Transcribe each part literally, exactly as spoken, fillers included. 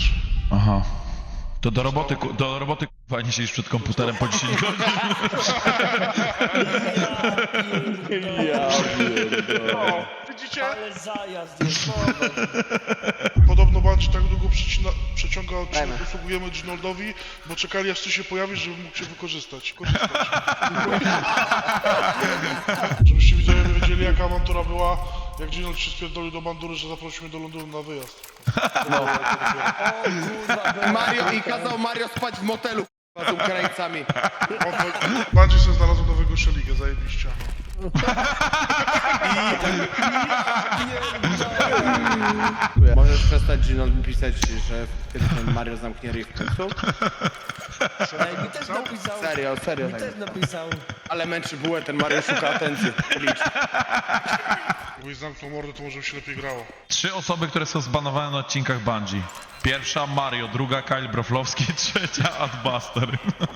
wiesz. Aha. To do roboty, ku- do roboty kurwa nie siedzisz przed komputerem po dziesięć godzin. Ja O, widzicie? Ale zajazd jest. Podobno Bungie tak długo przecina, przeciąga odcinek, Dajmy. usługujemy Ginoldowi, bo czekali aż ty się pojawisz, żeby mógł się wykorzystać. Korzystać. Żebyście widzowie wiedzieli, jaka awantura była, jak Ginold się spierdolił do bandury, że zaprosił mnie do Londynu na wyjazd. Mario i kazał Mario spać w motelu k***a, z Ukraińcami. Bungie sobie znalazł nowego szeligę, zajebiście. Możesz przestać Ginold pisać, że kiedy ten Mario zamknie ryj w końcu? Ej, mi też napisał. Serio, serio. Mi Tak. też napisał. Ale męczy bułę, ten Mario szuka atencji. Licz. Jakbyś zamknął mordę, to może by się lepiej grało. Trzy osoby, które są zbanowane na odcinkach Bungie. Pierwsza Mario, druga Kyle Broflovski, trzecia Adbuster.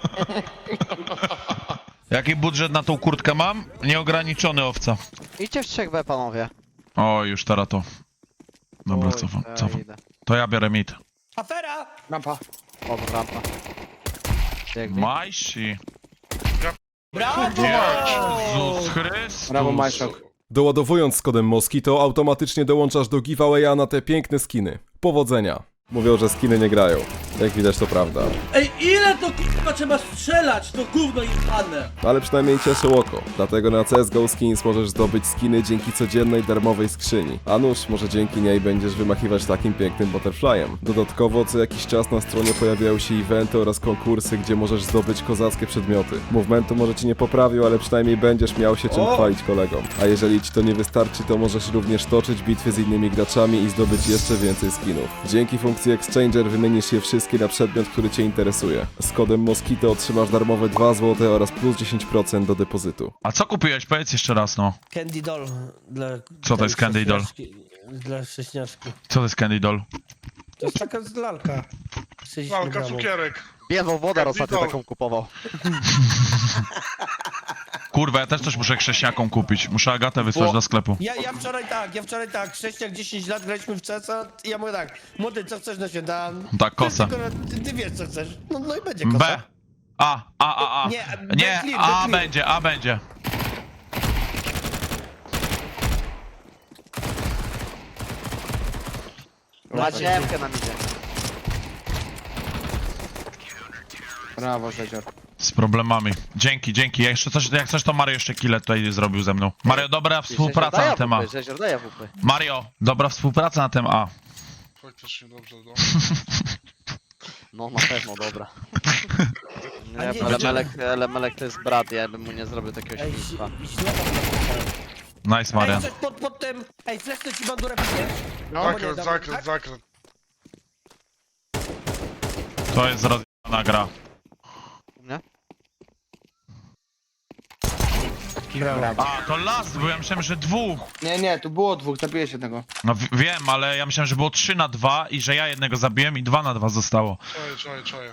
Jaki budżet na tą kurtkę mam? Nieograniczony, owca. Idźcie w trzech B, panowie. O, już teraz to. Dobra, Oj, cofam, ja cofam. idę. To ja biorę mid. Afera! Rampa. O, rampa. Biegnie. Majsi. Brawo! Jezus Chrystus. Brawo, Majszok. Doładowując z kodem Moskito automatycznie dołączasz do giveawaya na te piękne skiny. Powodzenia! Mówią, że skiny nie grają. Jak widać to prawda. Ej, ile to k***a trzeba strzelać, to gówno jebane! Ale przynajmniej cieszy oko. Dlatego na C S G O Skins możesz zdobyć skiny dzięki codziennej darmowej skrzyni. A nuż, może dzięki niej będziesz wymachiwać takim pięknym butterflyem. Dodatkowo co jakiś czas na stronie pojawiają się eventy oraz konkursy, gdzie możesz zdobyć kozackie przedmioty. Movementu może ci nie poprawił, ale przynajmniej będziesz miał się czym O! chwalić kolegom. A jeżeli ci to nie wystarczy, to możesz również toczyć bitwy z innymi graczami i zdobyć jeszcze więcej skinów. Dzięki funkcji Exchanger wymienisz je wszystkie na przedmiot, który cię interesuje. Z kodem Moskito otrzymasz darmowe dwa złote oraz plus dziesięć procent do depozytu. A co kupiłeś? Powiedz jeszcze raz, no. Candy Doll. Dla Co to jest tej Candy Doll? sześniaczki- Dla sześniaczki. Co to jest Candy Doll? To jest taka z lalka. sześćdziesiąt Walka, gramów. cukierek. Biedną wodę ostatnio Candy taką kupował. Kurwa, ja też coś muszę chrześcijakom kupić. Muszę Agatę wysłać Bo- do sklepu. Ja, ja wczoraj tak, ja wczoraj tak, Chrześciak dziesięć lat, graliśmy w C S a i ja mówię tak, młody, co chcesz na śniadanie? Tak, kosa. Ty, tylko- ty, ty wiesz co chcesz, no, no i będzie kosa. B. A, A, A, A. Nie, B Nie, clear, A B clear. będzie, A będzie. Na ziemkę nam idzie. Brawo, Rzezior. Z problemami. Dzięki, dzięki. Ja jeszcze coś, jak coś to Mario jeszcze kile tutaj zrobił ze mną. Mario, dobra współpraca na tym A. Rzezior, daj wupy. Mario, dobra współpraca na tym A. Faktycznie dobrze, no. No na pewno, dobra. A Nie, nie, ale będzie- Melek, ale Melek to jest brat, ja bym mu nie zrobił takiego Ej, świństwa. źle Nice, Ej, Marian. coś pod, pod tym, ej, fleszny ci bandurę piszesz? No, Zakręt, nie, zakręt, tak? zakręt. To jest rozjebana gra. Nie? brawo. A, to last, bo ja myślałem, że dwóch. Nie, nie, tu było dwóch, zabiłeś jednego. No w- wiem, ale ja myślałem, że było trzy na dwa i że ja jednego zabiłem i dwa na dwa zostało. Czaję, czaję, czaję.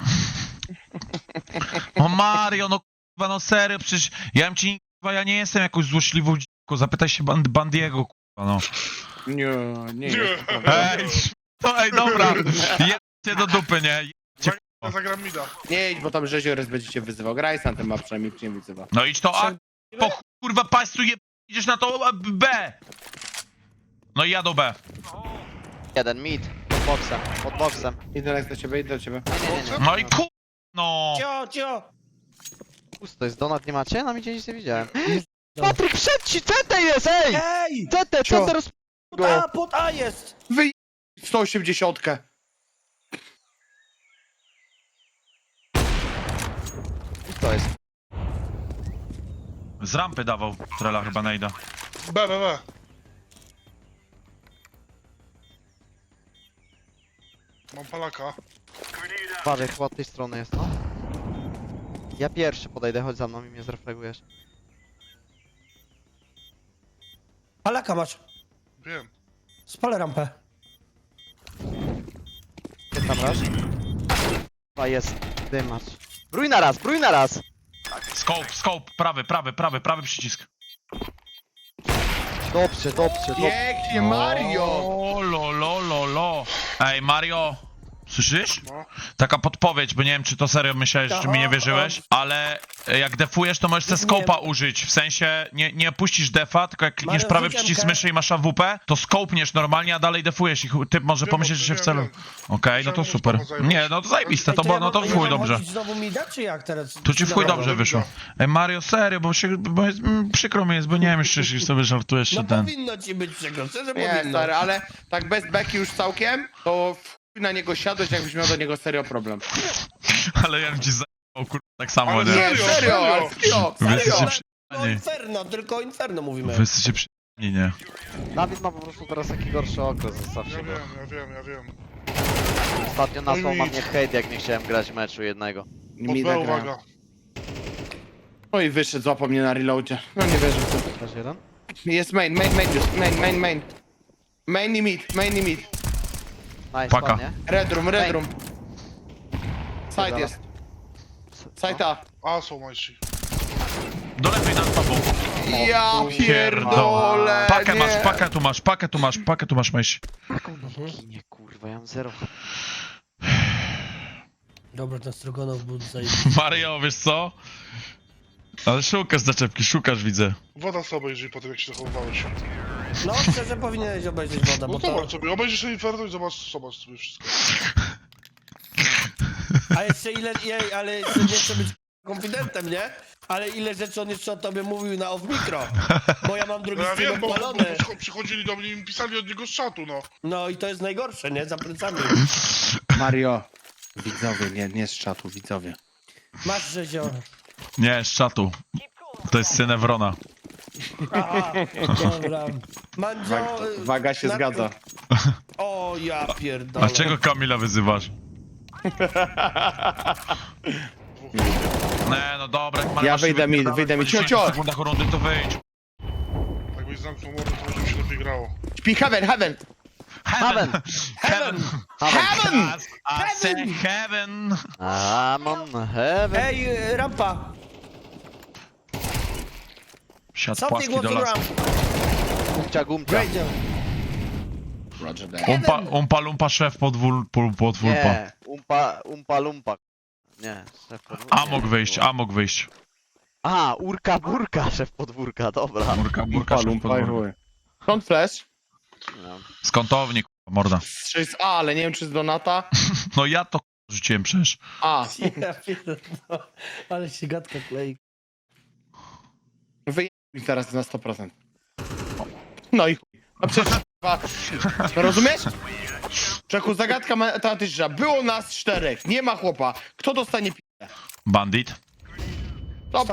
O Mario, no kurwa, no serio, przecież ja bym ci, kurwa, ja nie jestem jakąś złośliwą dziką, zapytaj się band Bandiego, kurwa, no. Nie, nie Nie. jest. Ej, no ej, dobra, jedźcie do dupy, nie? Jedźcie. Ja zagram mida. Nie idź, bo tam Rzezior będzie cię wyzywał. Graj sam ten ma przynajmniej cię wyzywa. No idź to A, po chuj, kurwa państwu je... idziesz na to B. No i jadą B. Jeden, mid. Pod boksem, pod boksem. Idę Lex do ciebie, idę do ciebie. Nie, nie, nie, nie. No i ku... no. Cio, cio! Pusto jest, donat nie macie? Na midzie nic nie widziałem. Patryk, przed ci, C T jest, ej! Ej! C T, Cio. C T roz... Pod A, pod A jest! Wyj... sto osiemdziesiąt. To jest. Z rampy dawał Trela chyba najda. B, B, B. Mam palaka. Uważaj, chyba od tej strony jest, no. Ja pierwszy podejdę, chodź za mną i mnie zreflegujesz. Palaka masz, Wiem. spalę rampę. Jest tam raz. Chyba jest dymacz. Brój na raz, brój na raz! Scope, scope, prawy, prawy, prawy, prawy przycisk. Dobrze, dobrze, dobrze. Pięknie, Mario! O, lo, lo, lo, lo. Ej, Mario. Słyszysz? No. Taka podpowiedź, bo nie wiem, czy to serio myślałeś, czy mi nie wierzyłeś, ale e, jak defujesz, to możesz te skopa użyć. W sensie nie, nie puścisz defa, tylko jak klikniesz Mario, prawy rzuć przycisk M K. myszy i masz A W P, to skopniesz normalnie, a dalej defujesz i chu- typ może Wiem, pomyśleć, o że tym się w wiem, celu. wiem. Okej, no to Chciałem super. móc zajmować. Nie, no to zajebiste, Ej, to, było, ja no to mam- w ja chuj mam dobrze. chodzić znowu mi da, czy jak teraz? Tu ci w chuj Dobra, dobrze dobra, wyszło. Ej, Mario, serio, bo się, bo jest, mm, przykro mi jest, bo nie wiem, jeszcze jeśli sobie żartujesz, No czy ten. powinno ci być przykro, szczerze Nie, powinno. stary, ale tak bez beki już całkiem, to w chuj na niego siadłeś, jakbyś miał do niego serio problem. Ale ja bym ci zajebał, kurwa, tak samo, Ale nie? nie. Nie, Serio, serio, serio. ale serio, Wy serio. jesteście No przyjemni. Inferno, tylko Inferno mówimy. Wy jesteście przyjemni, nie? Dawid ma po prostu teraz taki gorszy okres, zostawcie Ja go. wiem, ja wiem, ja wiem. Ostatnio No nasłał i na nic. mnie hejt, jak nie chciałem grać meczu jednego. Mi Pod B, da uwaga. No i wyszedł, złapał mnie na reloadzie. No nie wierzę w to. Też jeden? Jest main, main, main, już, main, main, main. Main i mid, main i mid. Nice, Paka. ładnie. Red room, red room. Side Dobra. jest. Side A. A, są majsi. Do lewej nad tobą. Ja pierdolę, Pakę nie. masz, pakę tu masz, pakę tu masz, pakę tu masz, myśl. Ginie, kurwa, ja mam zero. Dobra, ten Strogonow był zajebisty. Mario, wiesz co? Ale szukasz zaczepki, szukasz, widzę. Woda sobie obejrzyj po tym, jak się zachowywałeś. No, szczerze powinieneś obejrzeć wodę, No bo to... zobacz sobie, obejrzyj sobie Inferno i zobacz, zobacz sobie wszystko. A jeszcze ile... Jej, ale jeszcze nie chcę być konfidentem, nie? Ale ile rzeczy on jeszcze o tobie mówił na off-mikro. Bo ja mam drugi No ja stream wiem, bo, bo odpalony. przycho- przychodzili do mnie i mi pisali od niego z czatu, no. No i to jest najgorsze, nie? Za plecami. Mario. Widzowie, nie, nie z czatu, widzowie. Masz rzezio. Nie, z czatu. To jest syn Ewrona. Aha, dobra. Mandzio... y, Waga się na- zgadza. O, ja pierdolę. A czego Kamila wyzywasz? Nie, no dobra, jak Mario Ja masz się wyjdę mi- wypierdalać wyjdę mi. po dziesięciu Cio, cio. sekundach rundy, to wyjdź. Jakbyś zamknął mordę, to może by się lepiej grało. Śpi, heaven, heaven. Heaven! Heaven! Heaven! I say heaven! I'm on heaven. Ej, y, rampa! Siad Something płaski was do on lasu. ramp. Gumcia, gumcia. Radio. Roger that. Umpa, umpa lumpa szef podwól, pod, podwólpa. Nie, umpa, umpa lumpa. Nie, szef podwórka. A mógł wyjść, a mógł wyjść. Aha, urka burka, szef podwórka, dobra. Burka, burka, szef podwórka. Skąd flash? No. Z kątownik, morda. Trzy z A, ale nie wiem czy z Donata. No ja to rzuciłem przecież. A, Ja pierdolę. Ale się gadka klei. wyjdę mi teraz na sto procent. No i chuj. No przecież kurwa. No rozumiesz? Czeku, zagadka matematyczna. Było nas czterech, nie ma chłopa. Kto dostanie p***? Bandit. Stop.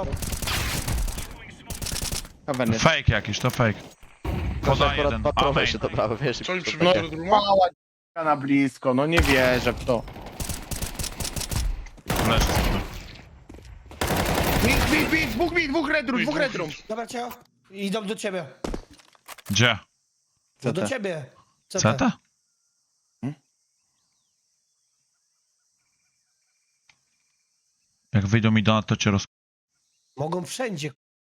Heaven jest. Fake jakiś, to fake. Proszę, Poda akurat jeden. patrowe Amen. się dobrały, wiesz. Co im to przybyło będzie. do druma? Mała d***a na blisko, no nie wierzę w to. Leży. Bit, bit, bit, dwóch bit, dwóch redrum, dwóch redrum. Dobra, ciao. Idą do ciebie. Gdzie? No do C T. ciebie. C T. Ceta? Hmm? Jak wyjdą mi donat, to cię roz... Mogą wszędzie.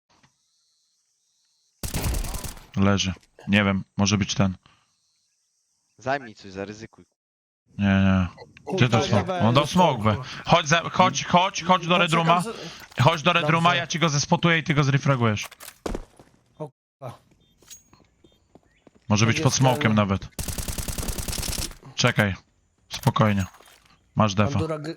Leży. Nie wiem, może być ten. Zajmij coś, zaryzykuj. Nie, nie. Gdzie to Kurwa, smok? nie On dał będzie smok, be. smoku. Chodź, za, chodź, chodź, chodź do No, Redruma. czekam z- Chodź do Redruma, Dobrze. ja ci go zespotuję i ty go zrefragujesz. O kurwa. Może być Będzie pod smokiem sprawny. nawet. Czekaj. Spokojnie. Masz defa. Bandura g-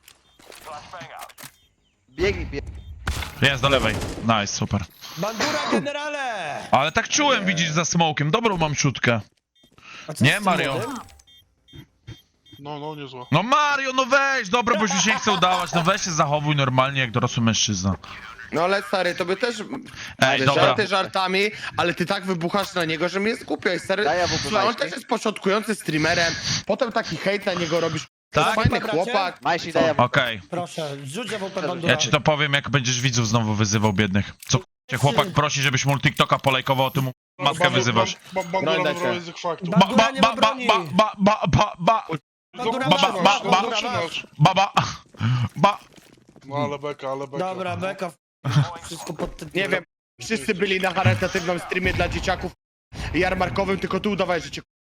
Biegnij, biegnij. Jest do lewej. Nice, super. Bandura generale! Ale tak czułem, widzisz, za smokiem. Dobrą mam szutkę. A co Nie, z tym Mario. młodym? No, no, niezła. No Mario, no weź, dobra, bo już mi się nie chce udawać. No weź się zachowuj normalnie jak dorosły mężczyzna. No ale stary, tobie też... Ej, dobra. Żarty żartami, ale ty tak wybuchasz na niego, że mnie skupiaj, stary. Daj, ja w ogóle Słuchaj, on majki. też jest początkujący streamerem, potem taki hejt na niego robisz. To jest Tak? fajny Bracie? chłopak. Majsi, daj ja Okej. Proszę, rzuć A W P Bandura. Ja ci to powiem, jak będziesz widzów znowu wyzywał biednych. Co cię chłopak prosi, żebyś mu TikToka polajkował, a ty mu matkę Bandu- wyzywasz. Ba, ba, bandura Broń wybrał dajcie. język faktu. Ba- Ba, Bandura ba, nie ba, ma ba, broni. ba, ba, ba, ba, ba, Bandura No, ba, masz, ba, masz, ba, no, Bandura masz. zaczynasz. ba, ba, ba. No ale beka, ale beka. Dobra, beka. Wszystko pod tytułem. Nie wiem, wszyscy byli na charytatywnym streamie dla dzieciaków jarmarkowym, tylko ty udawałeś, że cię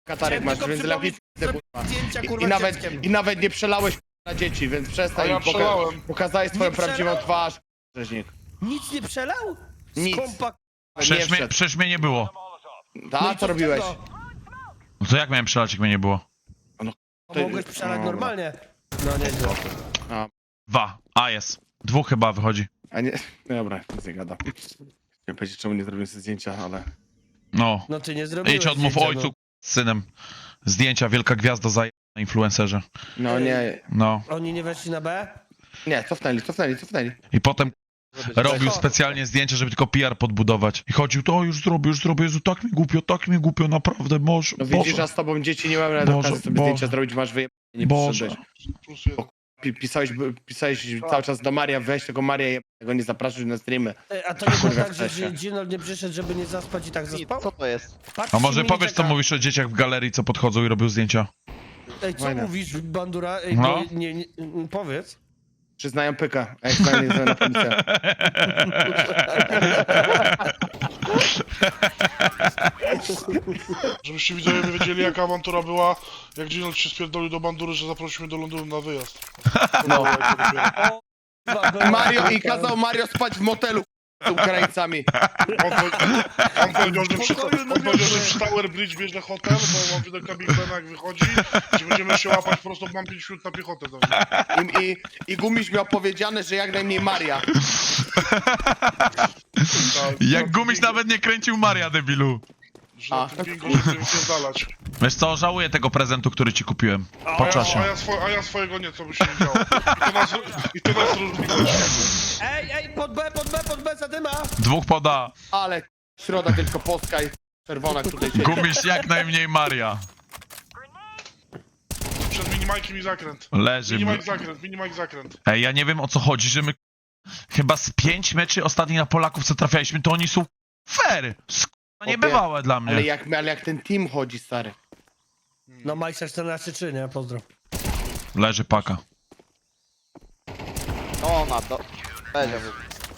Katarek Chciałem masz, tylko więc przypomnieć, lepiej że kurwa. zdjęcia, I, kurwa, i, nawet, dzieckiem. I nawet nie przelałeś na dzieci, więc przestań. A ja poka- przelałem. Pokazałeś swoją Nie prawdziwą przelał? twarz, rzeźnik. Nic nie przelał? Nic. Skąpa... Nie Przecież mnie, wszedł. przecież mnie nie było. Ta, No i co z robiłeś? tego? No to jak miałem przelać, jak mnie nie było? A mogłeś przelać Dobra. normalnie. No nie było. Dwa. A jest. Dwóch chyba wychodzi. A nie, no dobra, nic nie gadam. Nie powiedzieć, czemu nie zrobiłem sobie zdjęcia, ale... No. No ty nie zrobiłeś Idź odmów zdjęcia, ojcu z synem. Zdjęcia, wielka gwiazda za na influencerze. No nie, No. no. Oni nie weszli na B? nie, cofnęli, cofnęli, cofnęli. I potem robił Cicho. specjalnie zdjęcia, żeby tylko P R podbudować. I chodził, to już zrobię, już zrobię, Jezu, tak mi głupio, tak mi głupio, naprawdę, może, No widzisz, Boże, a z tobą dzieci nie mamy na Boże, okazji sobie Boże. zdjęcia zrobić, masz wyjebane, nie Boże. przyszedłeś. Plus jeden. Pi- Pisałeś, pisałeś cały czas do Maria, weź tego Maria, jebnego, nie zapraszać na streamy. Ej, A to nie było Kurwa, tak, że w sensie. Gino nie przyszedł, żeby nie zaspać i tak zaspał? Co to jest? Patrzcie A może mi powiesz, co czeka. mówisz o dzieciach w galerii, co podchodzą i robią zdjęcia? Ej, co Fajne. mówisz, Bandura? Ej, No. bo nie, nie, nie, powiedz. Przyznają pyka, a jak znajdę, nie na policję. Żebyście widzowie wiedzieli, jaka awantura była, jak Ginold się spierdolił do bandury, że zaprosiliśmy do Londynu na wyjazd. No. Chyba było- Mario i kazał Mario spać w motelu z Ukraińcami. On, powie- on powiedział, że przy, Pokoju on na powiedział, że wyspie. przy Tower Bridge bierze hotel, bo mam widok na Big Bena jak wychodzi, że będziemy się łapać po prostu, mam pięć minut na piechotę do mnie. I, i, i Gumiś miał powiedziane, że jak najmniej Maria. Tak, Jak na Gumiś tym nawet nie kręcił Maria, debilu. Że na A. tym bingo, żeby wypierdalać. Wiesz co, żałuję tego prezentu, który ci kupiłem. Po A ja, czasie. a, ja swo, a ja swojego nie, co by się nie działo. I to nas, i to nas różni. Ej, ej, pod B, pod B, pod B, zadyma! Dwóch poda. Ale środa tylko polska i czerwona tutaj siedzi. Gumiś jak najmniej Maria. Przed minimajkiem i zakręt. Leży. Minimajk zakręt, minimajk zakręt. Ej, ja nie wiem o co chodzi, że my chyba z pięć meczy ostatnich na Polaków, co trafialiśmy, to oni są fair. Sk- niebywałe dla Ale mnie. jak, ale jak ten team chodzi, stary. No Majster czternaście trzy, nie? Pozdro. Leży paka. No ona, do... Będzie był.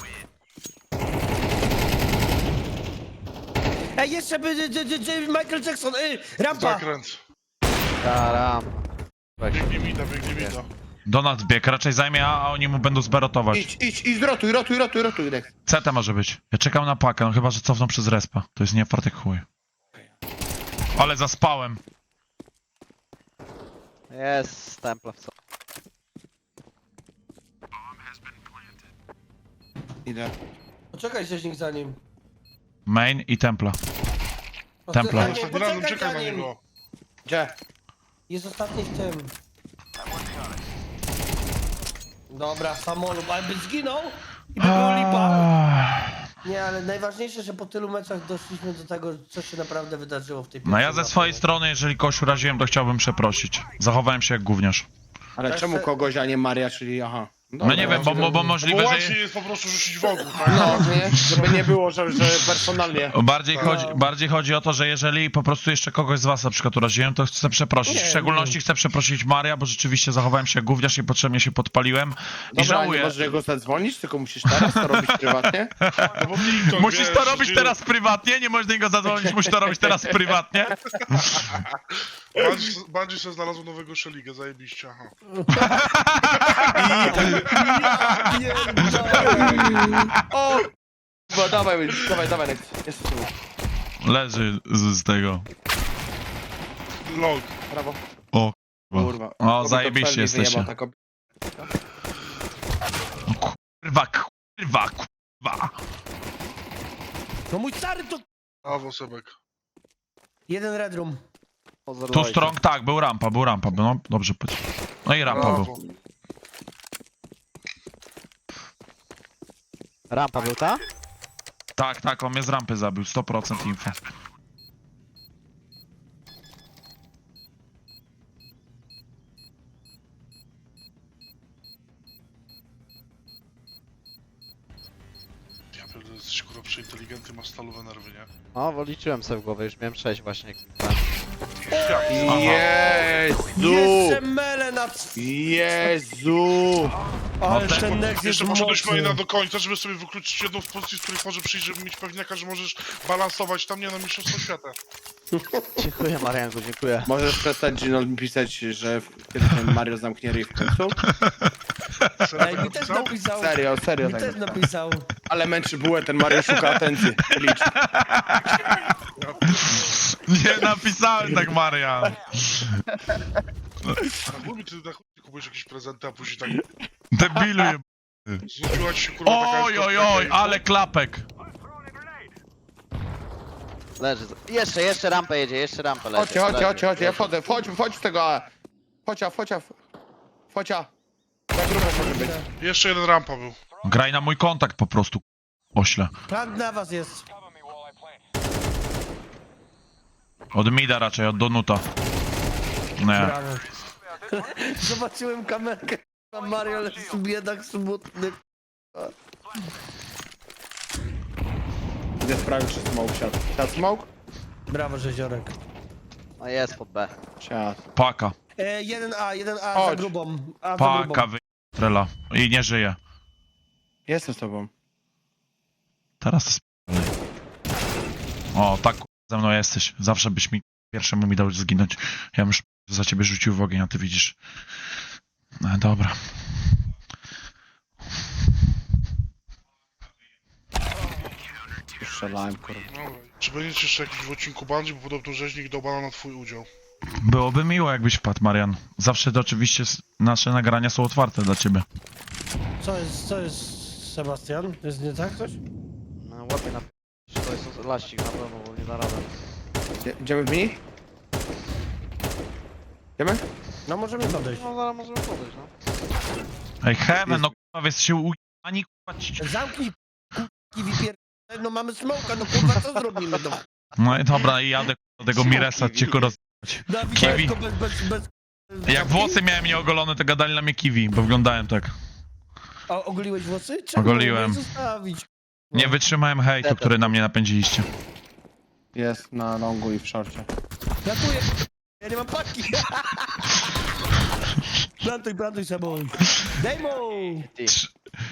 Ej, jeszcze by d- d- d- Michael Jackson, ej, rampa! Zakręt. Taram. Weź. Biegnie mida, biegnie mida. Donat bieg, raczej zajmie A, a oni mu będą zberotować. Idź, idź, idź, rotuj, rotuj, rotuj, rotuj, Rex. C T może być. Ja czekam na pakę, no chyba, że cofną przez respa. To jest nie fartek chuj. Ale zaspałem. Jest temple w co. Idę. Poczekaj się nikt za nim. Main i templa. Poczekaj, Templar. nie, Ostatni razem poczekaj czekaj za na nim. niego. Gdzie? Jest ostatni w tym. Dobra, samolub, ale by zginął i by było lipa. Nie, ale najważniejsze, że po tylu meczach doszliśmy do tego, co się naprawdę wydarzyło w tej No ja pierwszej ze mapie. swojej strony, jeżeli kogoś uraziłem, to chciałbym przeprosić. Zachowałem się jak gówniarz. Ale Też czemu se- kogoś, a nie Maria, czyli aha. No nie wiem, bo, bo, bo Bo możliwe, że... łatwiej jest po prostu rzucić w ogóle, tak? No, nie? Żeby nie było, że, że personalnie. Bardziej Tak. chodzi, bardziej chodzi o to, że jeżeli po prostu jeszcze kogoś z was na przykład uraziłem, to chcę przeprosić. Nie, W szczególności chcę przeprosić Maria, bo rzeczywiście zachowałem się jak gówniarz i potrzebnie się podpaliłem. I Dobra, nie żałuję. możesz jego zadzwonić, tylko musisz teraz to robić prywatnie. No bo TikTok, Musisz wiesz, to robić Gino- teraz prywatnie, nie możesz do niego zadzwonić, musisz to robić teraz prywatnie. Bandzi- Bandzi sobie znalazł nowego szeligę, zajebiście, aha. O! Bo dawaj, dawaj, dawaj, Rex. Jest tu. Leży z, z tego. Log. Brawo. O, Kurwa. O, Kobieta zajebiście przerwie jesteście. wyjebał, tak ob- kurwa, kurwa, kurwa. No mój stary to... Brawo, Sebek. Jeden red room. Tu strong, tak, był rampa, był rampa, no dobrze powiedział. No i rampa był. Brawo. Rampa był ta? Tak, tak, on mnie z rampy zabił, sto procent info. Ja pierdolę, jesteś kurwa przeinteligentny, masz stalowe nerwy, nie? No, bo liczyłem sobie w głowę, już miałem sześć właśnie. Ja, Jezu! Jeszcze mele na Plac! Jezu! Ale tak, ten Nex jest Jeszcze poszedłeś mocny. maina do końca, żeby sobie wykluczyć jedną z pozycji, z których może przyjść, żeby mieć pewniaka, że możesz balansować tam nie na mistrzostwo świata. Dziękuję, Marianku, dziękuję. Możesz przestać Gino pisać, że w- kiedy ten Mario zamknie ryj w końcu? Serio Ej, tak mi też napisał? napisał. Serio, serio Mi tak. też napisał. Ale męczy bułę, ten Mario szuka atencji. Licz. Nie napisałem tak, Marian. A mówi, ty na chuj kupujesz jakieś prezenty, a później tak Debilu je... znudziła ci się kurwa taka Oj, oj, historia oj, i- ale klapek. Leży. Jeszcze, jeszcze rampę jedzie, jeszcze rampę leży. Chodźcie, chodźcie, leży. chodźcie, chodźcie, ja wchodzę, wchodź, wchodź z tego A. Focia, focia, focia. Jak grubo może być. Jeszcze jeden rampa był. Graj na mój kontakt po prostu, ośle. Plan na was jest. Od mida raczej, od Donuta. Nie. Brawo. Zobaczyłem kamerkę. A Mario jest biedak smutny. Idę sprawdzić, czy smoke siadł. Siadł smoke? Brawo, Rzeziorek. No jest pod B. Siadł. Paka. E, jeden A, jeden A za Chodź. grubą. A za Paka grubą. wy... Trela. I nie żyje. Jestem z tobą. Teraz sp***lej. O, tak ku- ze mną jesteś. Zawsze byś mi pierwszemu mi dał zginąć. Ja bym już za ciebie rzucił w ogień, a ty widzisz. No dobra. Już strzelałem, kurwa. Dobra. Czy będziecie jeszcze jakiś w odcinku Bungie, bo podobno rzeźnik dał bana na twój udział. Byłoby miło, jakbyś wpadł, Marian. Zawsze to oczywiście s- nasze nagrania są otwarte dla ciebie. Co jest, co jest, Sebastian? Jest nie tak coś? No ładnie na... To jest laścik na pewno, bo nie da rady. Idzie- Idziemy w mini? Idziemy? No możemy podejść. No zaraz możemy podejść, no. Ej, Heaven, no kurwa, wy jesteście u... Ani kurwa ci... Zamknij k***ki wypier... No mamy smoka, no kurwa, co zrobimy? No, No i dobra, i jadę do tego Miresa, cię kurwa. Dawid, Kiwi. tylko bez, bez, bez... Jak włosy miałem nieogolone, to gadali na mnie kiwi, bo wyglądałem tak. A ogoliłeś włosy? Czemu? Ogoliłem. Nie zostawić. Nie wytrzymałem hejtu, który na mnie napędziliście. Jest na longu i w szorcie. Ratuję. Ja nie mam paczki. Plantuj, plantuj sobą. Dejmo! Ty. Trz-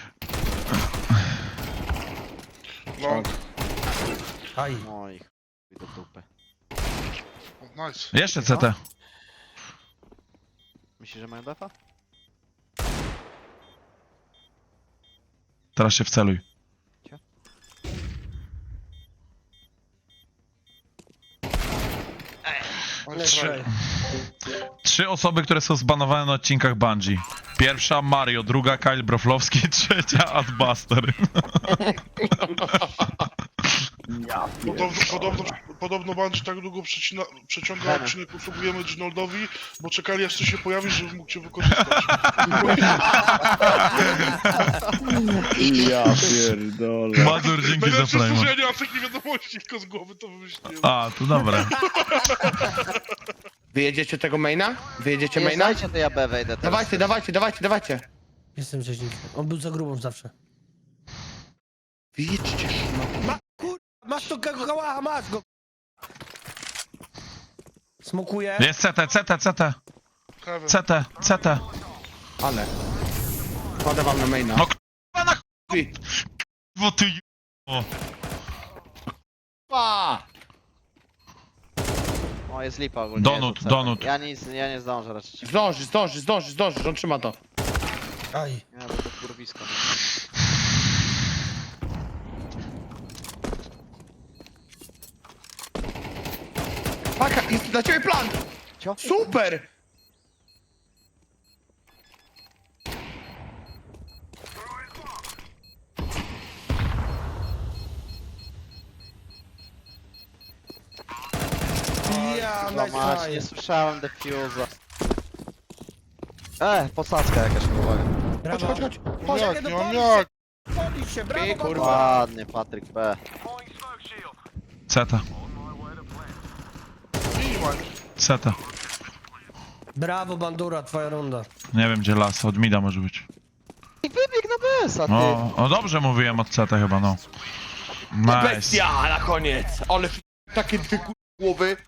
Long. Aj. No i chuj do dupy. Nice. Jeszcze C T. Myślisz, że mają defa? Teraz się wceluj. Trzy. Trzy osoby, które są zbanowane na odcinkach Bungie. Pierwsza Mario, druga Kyle Broflowski, trzecia Adbuster. Podobno, podobno, podobno Bungie tak długo przecina, przeciąga Damy. odcinek, usługujemy Ginoldowi, bo czekali aż ty się pojawisz, żeby mógł cię wykorzystać. Ja pierdolę. Mazur, dzięki za Najlepsze frame. stworzenie, a takie wiadomości tylko z głowy to wymyśliłem. A, to dobra. Wyjedziecie tego maina? Wyjedziecie Nie maina? znajcie, to ja B wejdę teraz. Dawajcie, dawajcie, dawajcie, dawajcie. Jestem rzeźnikiem. On był za grubą zawsze. Wyjedźcie. Ma, kur... Masz to kałacha, masz go. Smokuję. Jest C T, C T, C T, Heaven. C T, C T. Ale. Kładę wam na maina. No k***a na Ty. k***wo ty o. Pa! O, jest lipa ogólnie. Donut, jest donut. Ja nic, ja nie zdążę raczej. Zdąży, zdąży, zdąży, zdąży, on trzyma to. Aj. Ja to kurwisko. Paka, jest dla ciebie plan! Cio? Super! Ja, Kurwa nice mać, try. nie słyszałem defuza. E, posadzka jakaś, uwaga. Chodź, Brawo. chodź, chodź. Chodź, Jak, jak nie do mam Polski. jak. Podnieś się, brawo, Ty, brawo. kurwa. Ładnie, Patryk B. C T, C T. Brawo, Bandura, twoja runda. Nie wiem gdzie las, od mida może być. I wybieg na B S, a ty. O, o dobrze mówiłem od C T chyba, no. Nice. Bestia na koniec! Ale f- takie dwie kur- głowy.